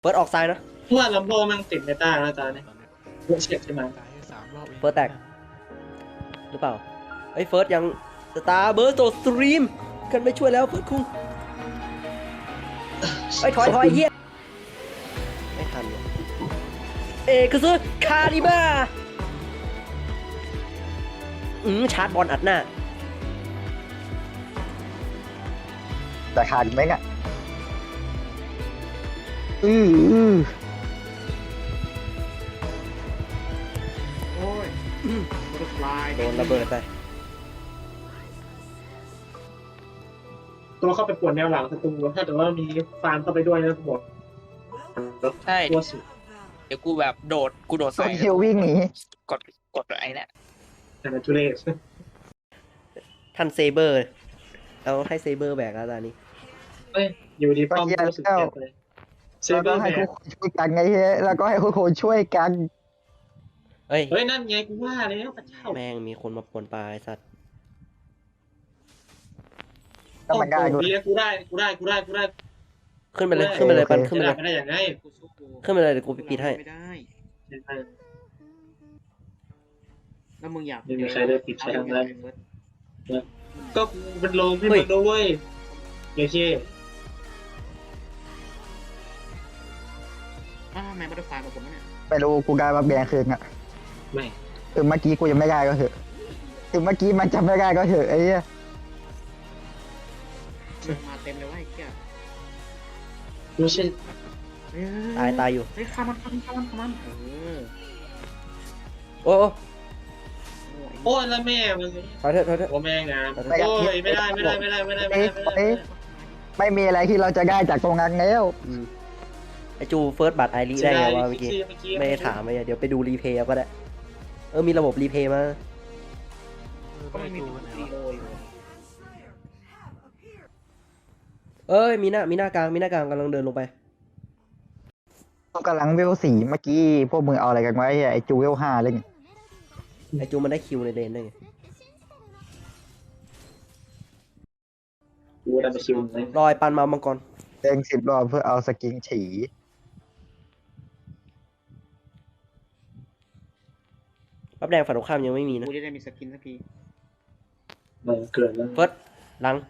เฟิร์สออกซ้ายนะว่าลัมโบมันติดเมตาแล้วตอนนี้เวอร์เช็คใช่ไหมเฟิร์สแตกหรือเปล่าไอ้เฟิร์สยังสตาร์เบิร์สโตสตรีมกันไม่ช่วยแล้วเฟิร์สคุงไอ้ถอยเฮียไม่ทันเลยคือซื้อคาริบ้าชาร์จบอลอัดหน้าแต่ขาดไหมอ่ะโอ้ยบัตเตอร์ฟลายโดนระเบิดไปตัวเข้าไปปวดแนวหลังศัตรูถ้าแต่ว่ามีฟาร์มเข้าไปด้วยนะหมดใช่ตัวสุดเดี๋ยวกูแบบโดดโดใส่นเฮลวิ่งหนีกดไอ้เนี่ยแต่ในทุเรศท่านเซเบอร์เอาให้เซเบอร์แบกแล้วตอนนี้เฮ้ยอยู่ดีป้อมรู้สึกเจ็บเลยเซแล้วเบก็อร์แบให้กทุกคนช่วยกันไงเฮ้ยแล้วก็ให้ทุกคนช่วยกันเฮ้ยเฮ้ยนั่นไงกูว่าแล้วพระเจ้าแม่งมีคนมาป่วนปลาไอ้สัตว์ก็มันง่ายกูด้วยกูได้ขึ้นไปเลยขึ้นไปเลยปันขึ้นไปเลยไม่ได้อย่างไงกูสู้กูขึ้นไปเลยเดี๋ยวกูปิดให้ไม่ได้ไม่ได้แล้วมึงอยากไม่มีใครได้ปิดใช้ทำอะไร ก็กูเป็นลมให้เฮ้มึยงด้วยโอเคทำไมบัตเตอร์ฟลายมาผมเนี่ยไม่รู้กูกลายมาแบงคืนอ่ะไม่ถึงเมื่อกี้กูยังไม่ได้ก็เถอะถึงเมื่อกี้มันจำไม่ได้ก็เถอะไอ้เหี้ยมาเต็มเลยว่าไอ้เหี้ยไม่ใช่ตายอยู่เฮ้ยข้ามันโอ้โอ้ยแล้วแม่มึงถอยเถอะโอ้แม่งามโอ้ยไม่ได้ไม่มีอะไรที่เราจะได้จากตรงนั้นแล้วไอจูเฟิร์สบัตรไอรีได้ไงวะเมื่อกี้ไม่ได้ถามเลยเดี๋ยวไปดูรีเพย์เอาก็ได้มีระบบรีเพย์มาก็ไม่มีตัวซีโออยู่มีหน้ากลางกำลังเดินลงไปกูกำลังเวล4เมื่อกี้พวกมึงเอาอะไรกันไว้ไอ้จูเวล5เลยไงไอจูมันได้คิวในเลนได้ไงกูได้มาชิวเลยรอยปันมามังกรเด้ง10 รอบเพื่อเอาสกินฉีรับแดงฝั่งตรงข้ามยังไม่มีนะกูจะได้มีสกินสักทีมันเกิดแล้วเฟิร์สหลัง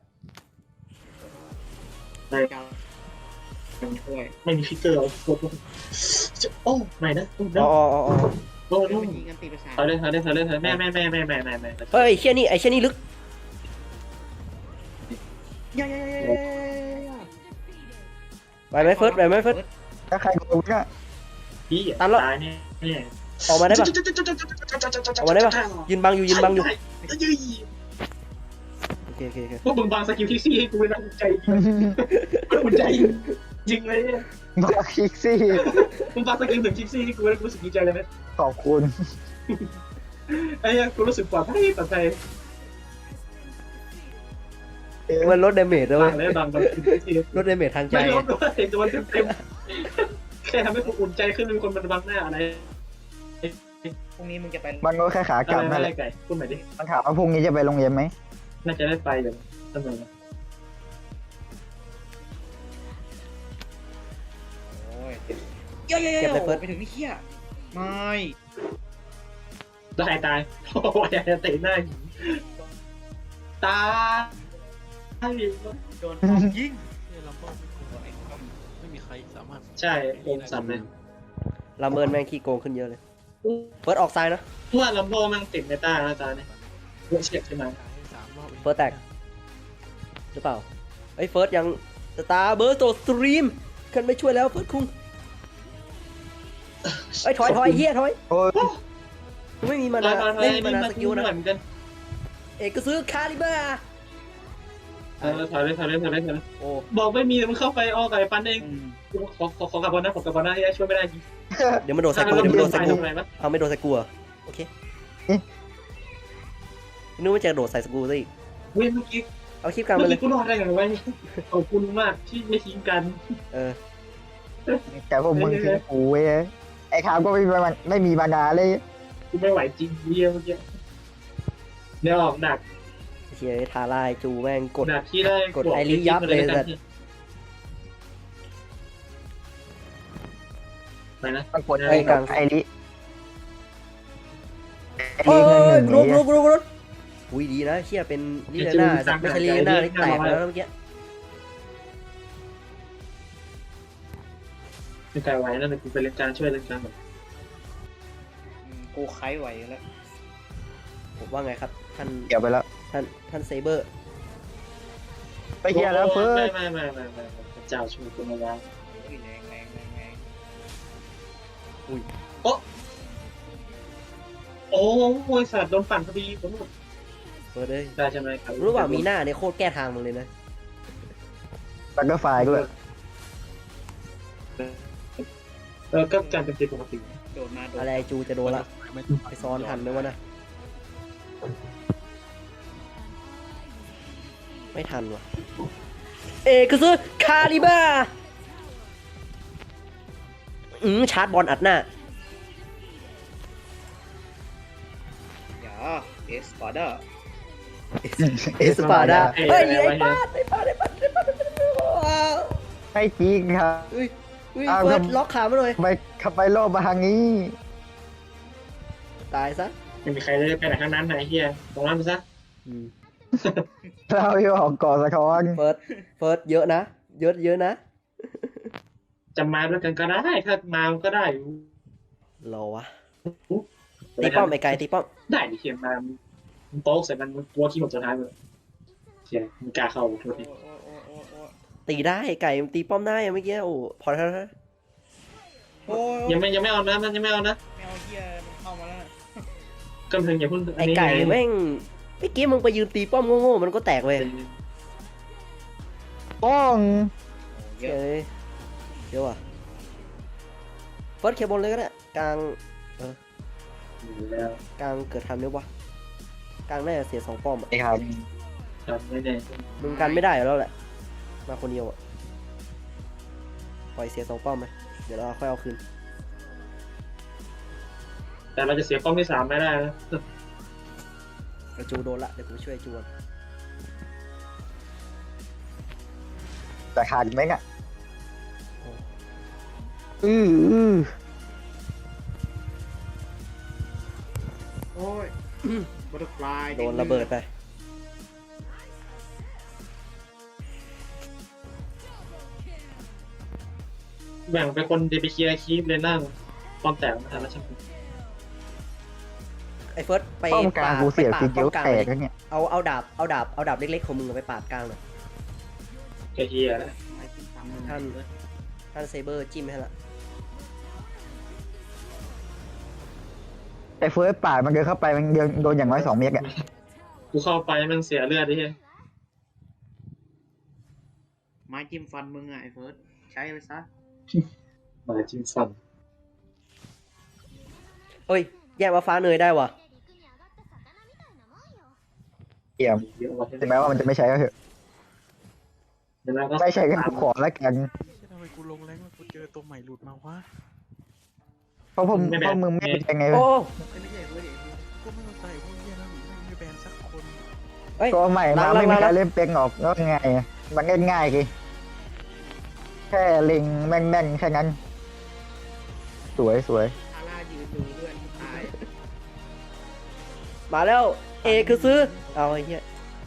เจ้าช่วยไม่มีฟิกเกอร์เอาโคตรโอ้ไม่นะอ๋อโอ้แล้โหวมันยิงกันตีประสาทถอยเลยแม่เฮ้ยไอเชี่ยนี่ลึกย่าไปไหมเฟิร์สถ้าใครโดนเนี่ยพี่ตายเนี่ยออกมาได้ปะยืนบังอยู่โอเคพวกมึงบางสกิลที่ซี่ให้กูนะใจกูใจจริงเลยเนี่ยมาคิกซี่มึงบางสกิลถึงคิกซี่ให้กูแล้วกูรู้สึกดีใจเลยไหมขอบคุณไอ้เนี่ยกูรู้สึกปลอดภัยมันลดดาเมจด้วยบางเลยบางที่ลดดาเมจทางใจไม่ลดด้วยโดนเต็มแค่ทำให้กูอุ่นใจขึ้นมีคนมันบังหน้าอะไรพรุ่งนี้มึงจะไปมันก็แค่ขากลับนั่นอะไรแหละไก่พูดใหม่ดิมันถามว่าพรุ่งนี้จะไปโรงเรียนไหมน่าจะได้ไปเดี๋ยวเสมอโอ้ยเก็บเลยเฟิร์สไปถึงนี่เหี้ยไม่ตายโอ้ยจะเตะหน้าหินตายโดนยิงไม่มีใครสามารถใช่โอมสันเลยลาเมินแม่งขี้โกงขึ้นเยอะเลยเฟิร์สออกซ้ายนะว่าลัมโบมันติดเมตาแล้วตอนนี้เวอร์เช็คใช่ไหมเฟิร์สแตกหรือเปล่าไอ้เฟิร์สยังสตาร์เบิร์สโตสตรีมกันไม่ช่วยแล้วเฟิร์สคุงไอ้ถอยเฮียถอยโอ้ยไม่มีมานาไม่มีมานาสกิลนะเหมือนกันก็ซื้อคาริบ้าถอยเลยโอ้บอกไม่มีมันเข้าไปอ้อไก่ปันเองขอกลับบอลนะผมกลับบอลนะที่ช่วยไม่ได้จริงเดี๋ยวมันโดนใส่กูเอาไม่โดนใส่กูโอเคนึกว่าจะโดดใส่สกูซะอีกเว้ยเมื่อกี้เอาคลิปกลางไปเลยกูรอดได้ไงวะขอบคุณมากที่ไม่ทิ้งกันแต่พวกมึงทิ้งกูเว้ยไอ้ขาวก็ไม่มีมานานเลยกูไม่ไหวจริงเยี่ยเมื่อกี้เนี่ยออกดักเชียร์ทาร่าจูแม่งกดดักที่ได้กดไอริยับเลยสัตว์ไปนะมันกดไอ้กลางไอริไอโอ้ริเงินหนึ่งยลุกเนี่ยลุกอุ้ยดีนะเชี่ยเป็นลิเลน่าไม่ใช่ลิเลน่าที่แตกแล้วเมื่อกี้ไม่ไกลไว้นั่นเลยกูไปเล่นกลางช่วยเล่นกลางแบบกูไขไหวแล้วผมว่าไงครับท่านเกี่ยวไปแล้วท่านเซเบอร์ไปเฮียแล้วเฟิร์สไม่พระเจ้าช่วยกูมาแล้วอุ้ยแรงแรงแรงแรงโอ้ยสัตว์โดนปั่นพอดีผมเฟิร์สเลยได้ใช่ไหมครับรู้ว่ามีหน้าเนี่ยโคตรแก้ทางมึงเลยนะบัตเตอร์ไฟด้วยก็การเป็นปกติโดดมาโดดอะไรจูจะโดนละไม่ต้องไปซ้อนทันไหมวะนะไม่ทันว่ะเอกซึคาลิบ้าชาร์จบอลอัดหน้าอย่าเอสปาร์ด้าเอสปาดาเฮ้ยไอ้ป้าให้จริงครับเฮ้ยเฟิร์สล็อกขามาหน่อยไปขับไปโลบมาทางนี้ตายซะไม่มีใครได้ไปไหนข้างนั้นไหนเฮียตรงนั้นไปซะเราอยู่ออกก่อสะท้อนเฟิร์สเยอะนะเยอะนะจะมาด้วยกันก็ได้ถ้ามาก็ได้รอวะตีป้อมไอ้ไก่ตีป้อมได้ดิเฮียมาโต๊ะใส่มันตัวขี้หมดสุดท้ายเลยเฮียมึงกล้าเข้าโทษทีตีได้ไก่มันตีป้อมได้เมื่อกี้โอ้พอแล้วนะโอ้ยยังไม่เอานะมันยังไม่เอานะไม่เอาเฮียมันเข้ามาแล้วกำลังอย่าเพิ่งไอ้ไก่แม่งเมื่อกี้มึงไปยืนตีป้อมโง่ๆมันก็แตกเลยป้องเยเยอะอะเยอะว่ะเฟิร์สเคบนเลยก็ได้กลางแล้วกลางเกิดทันไหมวะกลางน่าจะเสีย2ป้อมอ่ะไอ้ครับทำไม่แน่มึงกันไม่ได้อยู่แล้วแหละมาคนเดียวอ่ะปล่อยเสีย2ป้อมไปเดี๋ยวเราค่อยเอาคืนแต่เราจะเสียป้อมที่3ไม่ได้นะไอ้จูโดนละเดี๋ยวกูช่วยจูก่อนแต่ขาดอีกไหมอ่ะอโอ้ยบัตเตอร์ฟลายโดนระเบิดไปแบ่งไปคนเดไปเคลียร์คีฟเลยนั่งป้อมแตกมาทันแล้วใช่ไหมไอ้เฟิร์สไปป้องกลางกูเสียไปทีปาดเดียวป้อมกลางแตเลยกแล้วเนี่ยเอาดาบเล็กๆของมึงไปปาดกลางหน่อยแกเฮียแล้วท่านเซเบอร์จิ้มให้ละไอ้เฟิร์สป่าดมันเดินเข้าไปมันโดนอย่างน้อย2 เมตรอ่ะกูเข้าไปมันเสียเลือดดิเฮียไม้จิ้มฟันมึงอ่ะไอ้เฟิร์สใช้ไปซะมาจิ้มฟันเอ้ยแยกว่าฟ้าเนยได้ว่ะเอี่ยมเยอะว่ะถึงแม้ว่ามันจะไม่ใช่ก็เถอะไม่ใช่ก็ขอแล้วกันทำไมกูลงแรงแล้วกูเจอตัวใหม่หลุดมาวะเพราะมึงไม่เป็นยังไงโอ้ไม่ใช่เฟิร์สเองกูไม่เข้าใจพวกเนี้ยนะไม่แบนสักคนเอ้ยก็ใหม่มาไม่มีใครเล่นเป็นออกก็ไงมันง่ายๆกิแค่เล็งแม่นๆแค่นั้น สวยทาร่ายืนดูเพื่อนตายมาแล้วเอคือซื้อเอาไอ้เหี้ย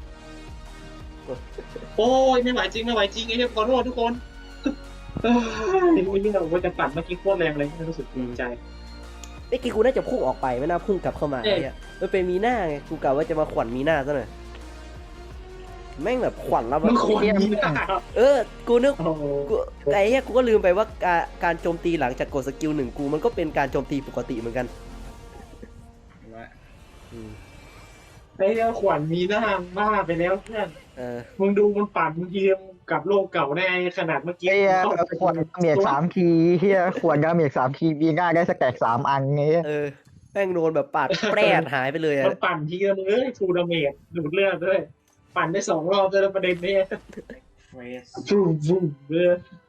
โอ้ยไม่ไหวจริงไอ้เฮียขอโทษทุกคนไม่เรื่องว่าจะปั่นเมื่อกี้โคตรแรงเลยรู้สึกดีใจเมื่อกี้กูน่าจะพุ่งออกไปไม่น่าพุ่งกลับเข้ามาไอ้เหี้ยมันเป็นมีหน้าไงกูกะว่าจะมาขวัญมีหน้าซะหน่อยแม่งแบบขวัญแล้วแบมึบงควรมีหน้ากูนึกโอ้โหกูไอ้เหี้ยกูก็ลืมไปว่าการโจมตีหลังจากกดสกิล1กูมันก็เป็นการโจมตีปกติเหมือนกันไอ้เรื่องขวัญมีหน้าบ้าไปแล้วเพื่อน มึงดูมันปั่นมึงเทียมกับโลกเก่าได้ขนาดเมื่อกี้เฮียขวดเมียก3 คีย์เฮียขวดเมียก3 คีย์มีง่ายได้สแต็ก3 อันเงี้ยแม่งโดนแบบปาดแปรดหายไปเลยอะมันปั่นทีละมึงทูดาเมจดูดเลือดด้วย ปั่นได้2 รอบด้วยแล้วประเด็นนี้เฟสฟูมเลย